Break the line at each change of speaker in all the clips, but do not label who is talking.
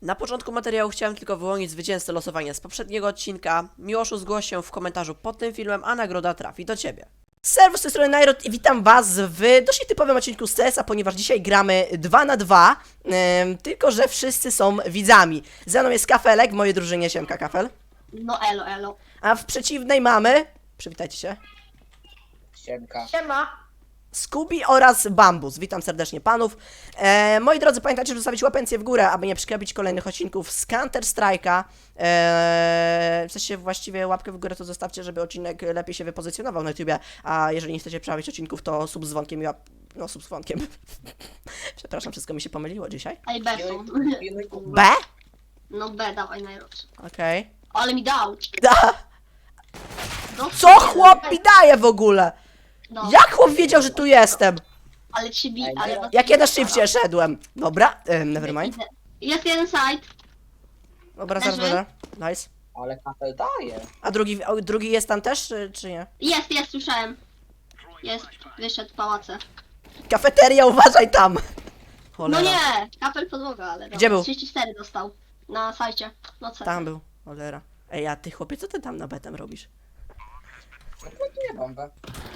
Na początku materiału chciałem tylko wyłonić zwycięzcę losowania z poprzedniego odcinka. Miłoszu, zgłoś się w komentarzu pod tym filmem, a nagroda trafi do Ciebie. Serwus z tej strony Nairot i witam Was w dość typowym odcinku z CS-a, ponieważ dzisiaj gramy 2 na 2, tylko że wszyscy są widzami. Ze mną jest Kafelek, w mojej drużynie siemka Kafel.
No elo.
A w przeciwnej mamy, przywitajcie się,
Siemka.
Siema.
Scooby oraz Bambus. Witam serdecznie panów. Moi drodzy, pamiętajcie, żeby zostawić łapencję w górę, aby nie przegapić kolejnych odcinków z Counter Strike'a. W sensie właściwie łapkę w górę to zostawcie, żeby odcinek lepiej się wypozycjonował na YouTubie, a jeżeli nie chcecie przegapić odcinków, to sub z dzwonkiem i no, sub z dzwonkiem. Przepraszam, wszystko mi się pomyliło dzisiaj.
Ej, B są.
B?
No B, dawaj najlepszy.
Okej.
Ale mi dał.
Da.
No,
Co chłop mi daje w ogóle?
No,
Jak chłop wiedział, że tu jestem?
ale ci bi, ale...
Jak ja na szybcie szedłem. Dobra, nevermind.
Jest jeden side.
Dobra,
Leży.
zaraz. Nice.
Ale kafel daje.
A drugi jest tam też, czy nie?
Jest, słyszałem. Jest, wyszedł w pałace.
Kafeteria, uważaj tam! Cholera.
No nie! Kapel podłoga, ale...
Gdzie był?
34 dostał. Na sajcie. No co?
Tam był, cholera. Ej, a ty chłopie, co ty tam na betem robisz?
No plantuję bombę.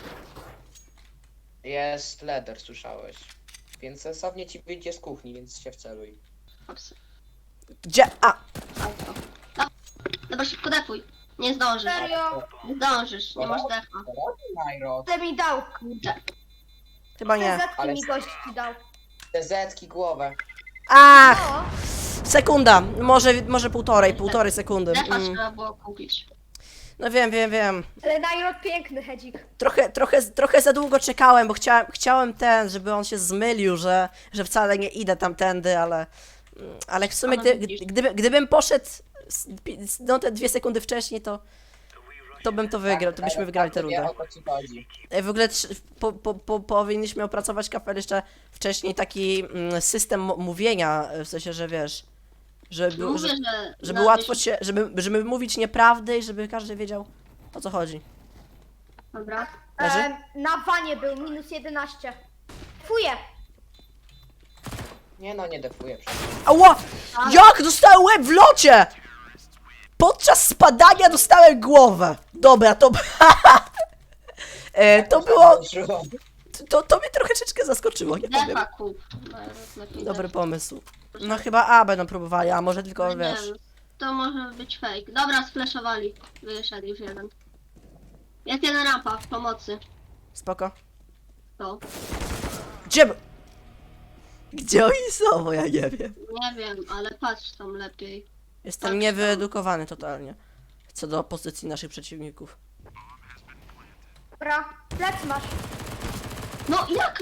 Jest leder, słyszałeś. Więc sensownie ci wyjdzie z kuchni, więc się wceluj.
Ops.
Gdzie? A!
Auto. Dobra, szybko defuj. Nie zdążysz.
Serio?
Nie zdążysz, nie masz defa.
Co robi Nairot?
Ty mi dał.
Kurczę.
Chyba nie.
Zetki
ale-
mi gość ci dał.
Te zetki głowę.
Ach!
No.
Sekunda! Może półtorej sekundy.
Defa trzeba było kupić.
No wiem.
Ale Nairot piękny hedzik.
Trochę za długo czekałem, bo chciałem żeby on się zmylił, że wcale nie idę tamtędy, ale w sumie
No, widzisz.
gdybym poszedł no te 2 sekundy wcześniej, to bym to wygrał, to byśmy wygrali tę
Wie,
rundę.
o co ci chodzi.
W ogóle powinniśmy opracować, Kafel, jeszcze wcześniej taki system mówienia, w sensie, że wiesz,
Mówię,
żeby łatwo się, żeby mówić nieprawdy i żeby każdy wiedział, o co chodzi.
Dobra.
Leży?
Na wanie był, minus 11. Fuję.
Nie no, nie defuję przecież.
Ała! Jak dostałem łeb w locie! Podczas spadania dostałem głowę. Dobra, to było, to mnie troszeczkę zaskoczyło, nie powiem.
Defa kup. Lepiej
Dobry pomysł. No chyba A będą próbowali, a może tylko,
defa.
wiesz.
Nie, to może być fake. Dobra, sflashowali. Wyszedł już jeden. Jest jeden rampa w pomocy.
Spoko.
To.
Gdzie oni są, bo ja nie wiem.
Nie wiem, ale patrz tam lepiej.
Jestem niewyedukowany totalnie. Co do pozycji naszych przeciwników.
Dobra, plec masz.
No jak?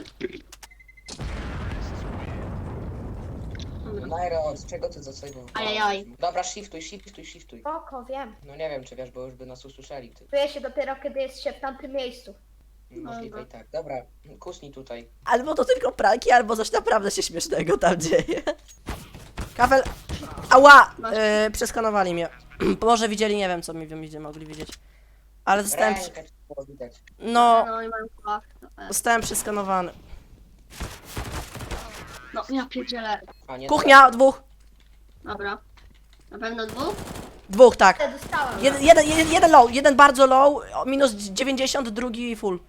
Nairot, czego ty zasejmowałeś?
Ajajaj.
Dobra, shiftuj.
Oko, wiem.
No nie wiem, czy wiesz, bo już by nas usłyszeli, ty.
Czuję się dopiero, kiedy jest się w tamtym miejscu.
Możliwe i tak. Dobra, kusnij tutaj.
Albo to tylko pranki, albo coś naprawdę się śmiesznego tam dzieje. Kafel... Ała! Przeskanowali mnie. Może widzieli, nie wiem co mogli widzieć. Ale zostałem...
Rękę ci było widać.
No,
No i mam fach.
zostałem przeskanowany.
No ja pierdzielę.
A, nie,
Kuchnia, 2.
Dobra. Na pewno dwóch?
2, tak.
Te dostałem.
Jeden low, jeden bardzo low, minus 90, drugi full.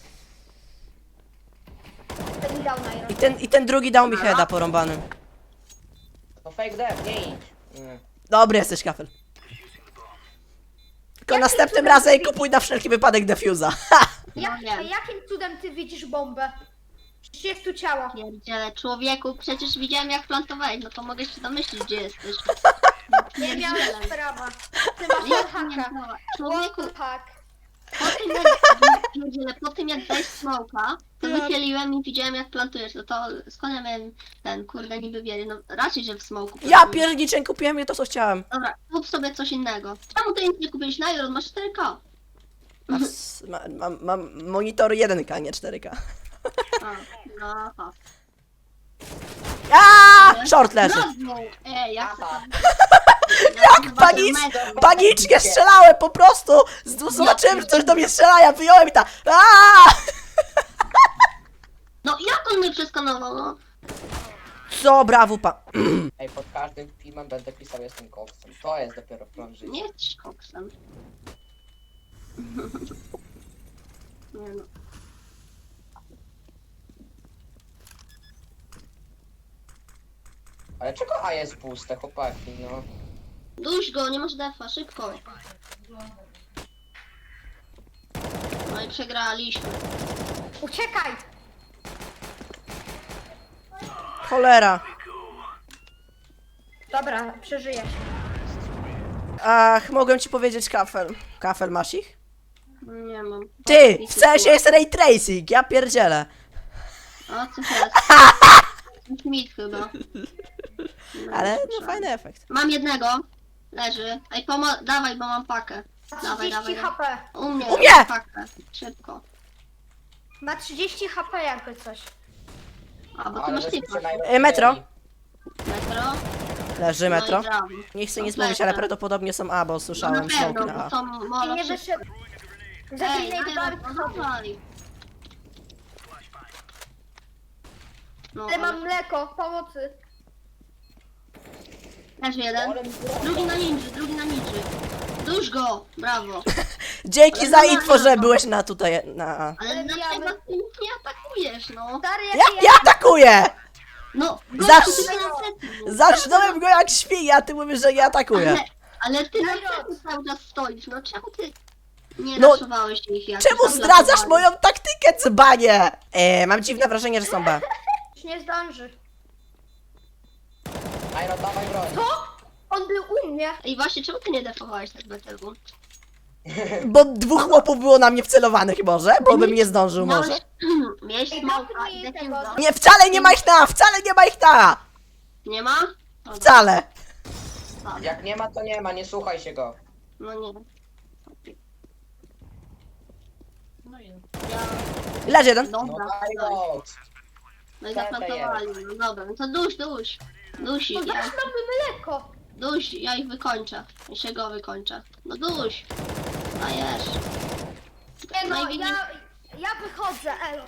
Ten mi dał Nairot.
I ten drugi dał mi heada porąbany.
To fake def, nie idź. Nie.
Dobry jesteś, Kafel. Tylko
Jakim
następnym
cudem
razem
ty
kupuj na wszelki wypadek defuza.
No nie.
Jakim cudem ty widzisz bombę? Przecież jest tu ciało.
Pierdzielę, człowieku, przecież widziałem jak plantowałeś, no to mogę się domyślić gdzie jesteś.
Nie miałem
Pierdzielę.
sprawa. Ty masz
Jak nie
haka.
miała? Człowieku,
Tak.
po tym jak dałeś smoka, to wychyliłem i widziałem jak plantujesz, no to skąd ja miałem ten, kurde, niby wiedzieć, no raczej, że w smoku.
Ja
plantujesz.
pierniczę, kupiłem je to, co chciałem.
Dobra, kup sobie coś innego. Czemu ty nic nie kupiłeś na Iron? Masz 4K.
Mam monitor 1K, nie 4K.
A, no, aha.
Aaa! Short leży.
Rozmów! Ej, jak to
Aha.
Jak
Panicznie strzelałem po prostu! Zobaczyłem, że coś do mnie strzela, ja wyjąłem i ta. Aaa!
No jak on mnie przeskanował, no?
Co, brawo,
Ej, pod każdym filmem będę pisał jestem koksem. To jest dopiero plan życia.
Nie jesteś koksem. Nie no.
Ale czego A jest puste, chłopaki, no?
Duś go, nie masz defa, szybko. No i przegraliśmy.
Uciekaj!
Cholera.
Dobra, przeżyjesz.
Ach, mogłem ci powiedzieć kafel. Kafel masz ich?
Nie mam.
Ty, w sensie jest ray tracing, ja pierdzielę.
A co teraz? Smith chyba. No,
Ale no
słyszałem.
fajny efekt.
Mam jednego. Leży. Ej, dawaj, bo mam pakę. Dawaj,
30
dawaj.
HP.
U mnie.
U mnie!
mam pakę. Szybko.
Ma 30 HP jakby coś.
A, bo ty
Ale
masz
żeśmy
typa.
się najlepsi.
Metro.
Metro.
Leży metro.
No i brawo.
Nie chcę nic
Lecę.
mówić, ale prawdopodobnie są A, bo
No
słyszałem
na
smoke
pewno,
na
bo
A.
to
I
molo
nie
szybko.
wyszedł.
Ej,
Zabij
no dawaj. No,
Ale mam mleko, pomocy.
leży jeden. Drugi na ninży. Dusz go! Brawo.
Dzięki
Ale
za
no,
info,
no,
że
no.
byłeś na tutaj, na A.
Ale
Ale
dlaczego
bijamy.
ty nic nie atakujesz, no?
Stary,
Ja atakuję!
No,
Zasz-
gościu, ty na plecy.
Zacznąłem go jak świnia, a ty mówisz, że nie atakuję.
Ale ty na
Daj
plecy cały czas stoisz, no czemu ty nie
No,
raszowałeś ich jak
Czemu
tam
zdradzasz
latowali?
moją taktykę, cbanie? Mam dziwne wrażenie, że są B.
Już nie zdąży.
Iron, dawaj broń.
On był u mnie.
Ej, właśnie, czemu ty nie defowałeś tak BTW?
Bo dwóch chłopów było na mnie wcelowanych może, bo bym nie zdążył może.
Miałeś
Ej,
smoka
dawaj
i
tego.
defuza.
Nie, wcale nie ma ich na, wcale nie ma ich na!
Nie ma? Dobra,
Wcale.
dobra.
Jak nie ma, to nie ma, nie słuchaj się go.
No nie. No i ja...
Leży jeden.
No
Dobra,
daj
no,
go.
no i zaplantowali, no dobra, no to duś. Duś
No
ich, ja,
dasz nam mleko.
duś, ja ich wykończę. Ja się go wykończę. No duś. Dajesz.
Nie no,
Najwięcej-
ja wychodzę, elo.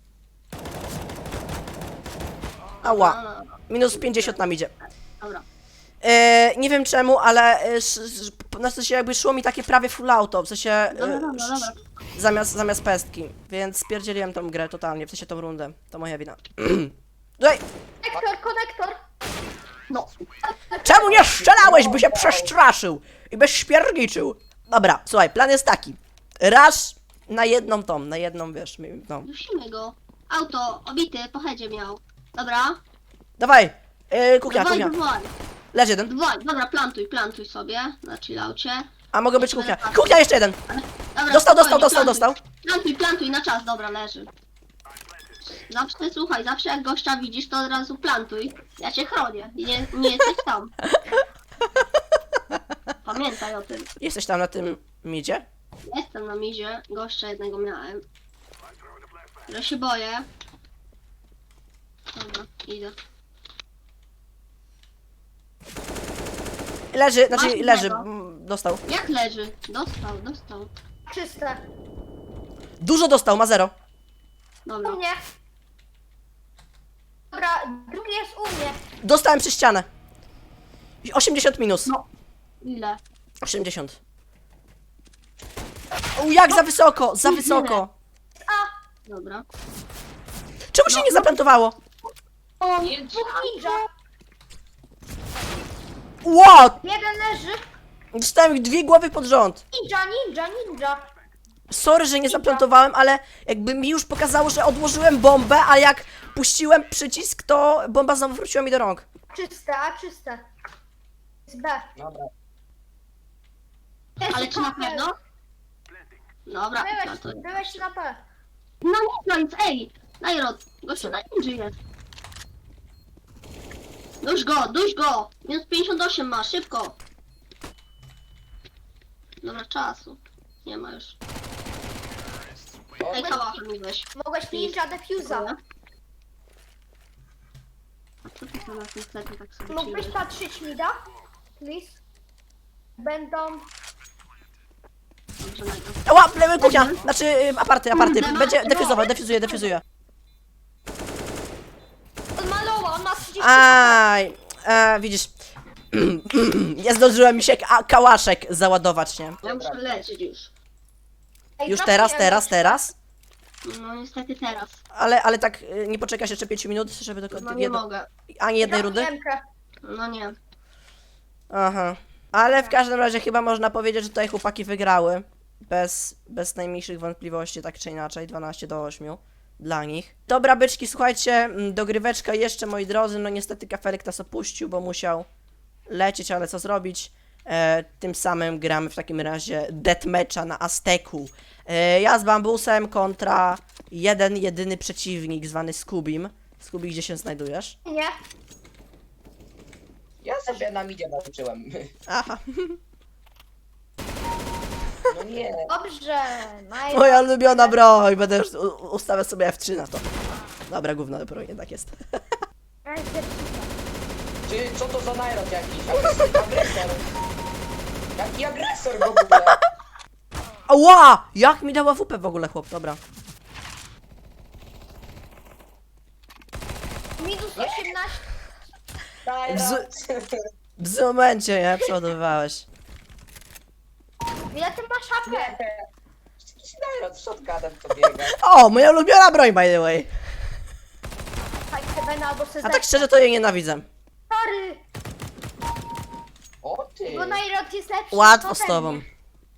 Ała.
No,
Minus 50 nam idzie.
dobra.
Nie wiem czemu, ale na sensie jakby szło mi takie prawie full auto, w sensie
Dobra, dobra.
zamiast pestki, więc spierdzieliłem tą grę totalnie, w sensie tą rundę, to moja wina. Tutaj,
Konektor.
No.
czemu nie strzelałeś, by się przestraszył i byś śpierniczył? Dobra, słuchaj, plan jest taki, raz na jedną, wiesz, no.
Dusimy go. Auto, obity, po headzie miał. Dobra.
Dawaj, kuchnia,
Dawaj,
kuchnia,
dawaj.
leży jeden,
Dawaj, dobra, plantuj sobie na chillaucie.
a mogę być kuchnia, kuchnia jeszcze jeden,
Dobra,
dostał,
spokojnie,
dostał.
Plantuj na czas, dobra, leży. Zawsze, słuchaj, zawsze jak gościa widzisz, to od razu plantuj. Ja cię chronię. Nie jesteś tam. Pamiętaj o tym.
Jesteś tam na tym midzie?
Jestem na mizie, gościa jednego miałem. Ale się boję. Dobra, idę.
Leży, znaczy
Masz
leży,
jednego.
dostał.
Jak leży? Dostał.
Czyste.
Dużo dostał, ma 0.
Dobra.
U mnie. Dobra, drugi jest u mnie.
Dostałem przez ścianę. 80 minus.
No. Ile?
80. O, jak za wysoko, za wysoko.
Dobra.
Czemu się nie zaplantowało?
O,
Dwóch ninja.
What?
Jeden leży.
Dostałem ich 2 głowy pod rząd.
Ninja.
Sorry, że nie zaplantowałem, ale jakby mi już pokazało, że odłożyłem bombę, a jak puściłem przycisk, to bomba znowu wróciła mi do rąk.
Czyste. Z B.
Dobra.
ale czy na pewno? Dobra,
Byłeś na B.
No nie, nic, ej! Najrod, gościu na ninja jest. Duś go! Minus 58 ma, szybko! Dobra, czasu. Nie ma już.
O,
Ej, kałachę mi weź.
Mogłeś ninja defuza.
A co ty tam na tym sklepie tak sobie
Mógłbyś
przyjdziesz?
patrzeć mi da? Please. Będą...
Dobrze, najpierw.
Ła, lewy kuchnia, znaczy aparty. Będzie defuzuje.
On ma loła, on ma
Aj, widzisz, nie zdążyłem mi się kałaszek załadować, nie?
Ja muszę leczyć już.
Ej,
Już
trafiłem.
teraz?
No niestety teraz.
Ale tak nie poczekasz jeszcze 5 minut, żeby do
No nie mogę.
ani jednej rundy?
Trafiłem.
No nie.
Aha. Ale w każdym razie chyba można powiedzieć, że tutaj chłopaki wygrały. Bez najmniejszych wątpliwości, tak czy inaczej, 12-8 dla nich. Dobra, byczki, słuchajcie, dogryweczka jeszcze, moi drodzy, no niestety kafelek nas opuścił, bo musiał lecieć, ale co zrobić? Tym samym gramy w takim razie deathmatcha na Azteku. Ja z Bambusem kontra jeden, jedyny przeciwnik zwany Scubim. Scooby, gdzie się znajdujesz?
Nie.
Ja sobie na midzie walczyłem.
Aha.
No nie.
Dobrze.
Moja ulubiona broń, będę już ustawiał sobie F3 na to. Dobra, gówno, dopiero jednak jest.
Czy co to za najrod jakiś? Agresor. Jaki agresor w ogóle?
Ała! Jak mi dała WP w ogóle, chłop, dobra.
Minus 18.
Najrod.
W złym momencie, nie? Przeładowywałeś.
Ile ty masz HP?
Jakiś najrod z shotgunem to biega.
O, moja ulubiona broń, by the way.
Fajnie, Heavena albo
A
Sezek.
tak szczerze, to jej nienawidzę.
Sorry,
O ty.
bo Nairot jest lepszy.
Łatwo
ode
z tobą.
mnie.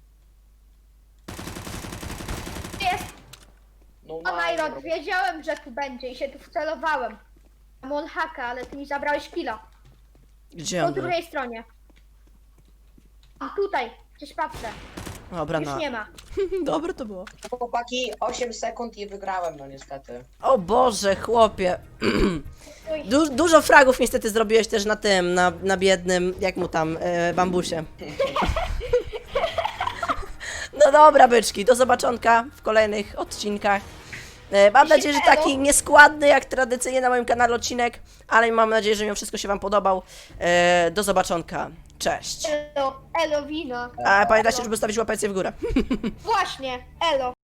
Jest.
No
O Nairot, wiedziałem, że tu będzie i się tu wcelowałem. Mam on haka, ale ty mi zabrałeś killa.
Gdzie
Po
on był?
drugiej stronie. A tutaj, gdzieś patrzę.
Dobra,
Już
no.
nie ma.
Dobre to było.
Chłopaki, 8 sekund i wygrałem, no niestety.
O Boże, chłopie.
Uj.
Dużo fragów niestety zrobiłeś też na tym, na biednym, jak mu tam, bambusie. No dobra, byczki, do zobaczonka w kolejnych odcinkach. Mam nadzieję, że taki nieskładny jak tradycyjnie na moim kanale odcinek, ale mam nadzieję, że mimo wszystko się wam podobał. Do zobaczonka. Cześć.
Elo, elo wino.
A pamiętajcie, żeby zostawić łapeczkę w górę.
Właśnie, elo.